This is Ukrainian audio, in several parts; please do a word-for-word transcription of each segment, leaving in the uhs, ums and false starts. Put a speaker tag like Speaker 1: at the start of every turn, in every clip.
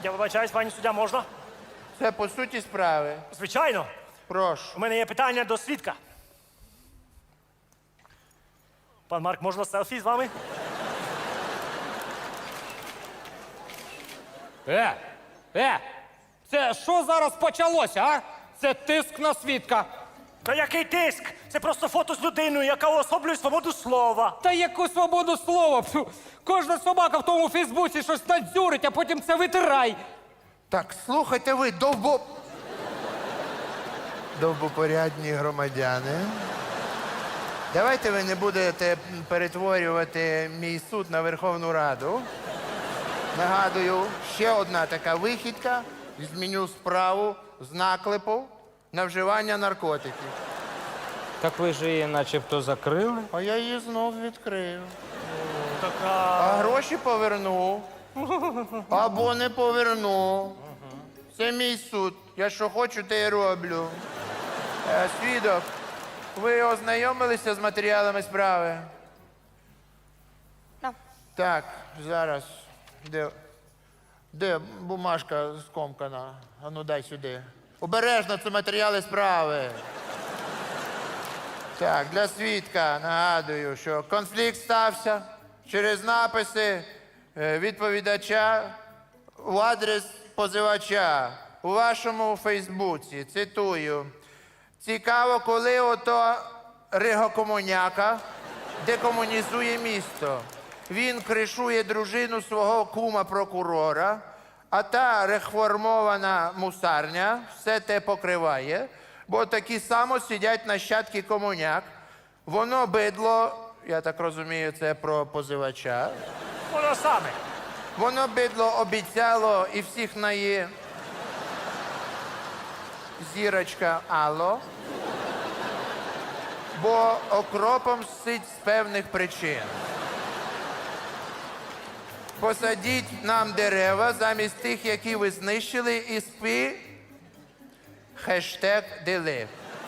Speaker 1: Я вибачаюсь, пані суддя, можна?
Speaker 2: Це по суті справи.
Speaker 1: Звичайно.
Speaker 2: Прошу.
Speaker 1: У мене є питання до свідка. Пан Марк, можна селфі з вами?
Speaker 3: Е, е, це що зараз почалося, а? Це тиск на свідка.
Speaker 1: Та який тиск? Це просто фото з людиною, яка уособлює свободу слова.
Speaker 3: Та яку свободу слова? Пфу, кожна собака в тому Фейсбуці щось надзюрить, а потім це витирай.
Speaker 2: Так, слухайте ви, довбо... Довбопорядні громадяни. Давайте ви не будете перетворювати мій суд на Верховну Раду. Нагадую, ще одна така вихідка. Зміню справу з наклепу на вживання наркотиків.
Speaker 3: Так ви ж її начебто закрили.
Speaker 2: А я її знов відкрив.
Speaker 1: Така.
Speaker 2: А гроші поверну. Або не поверну. Це мій суд. Я що хочу, те й роблю. Е, свідок, ви ознайомилися з матеріалами справи?
Speaker 4: Ну.
Speaker 2: Так, зараз. Де, де бумажка скомкана? А ну дай сюди. Обережно, це матеріали справи. Так, для свідка нагадую, що конфлікт стався через написи е, відповідача в адрес позивача у вашому Фейсбуці. Цитую. Цікаво, коли ото Ригокомуняка декомунізує місто. Він кришує дружину свого кума-прокурора, а та реформована мусарня все те покриває, бо такі само сидять нащадки комуняк. Воно бидло, я так розумію, це про позивача.
Speaker 1: Воно саме.
Speaker 2: Воно бидло обіцяло і всіх нає зірочка Алло, бо окропом сить з певних причин. Посадіть нам дерева замість тих, які ви знищили, і спи хештег дели.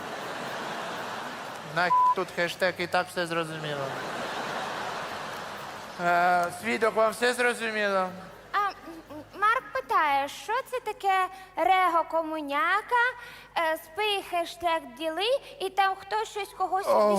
Speaker 2: На тут хештег, і так все зрозуміло. Е, свідок, вам все зрозуміло?
Speaker 4: А м, Марк питає, що це таке Рего Комуняка, е, спи хештег діли, і там хтось щось когось.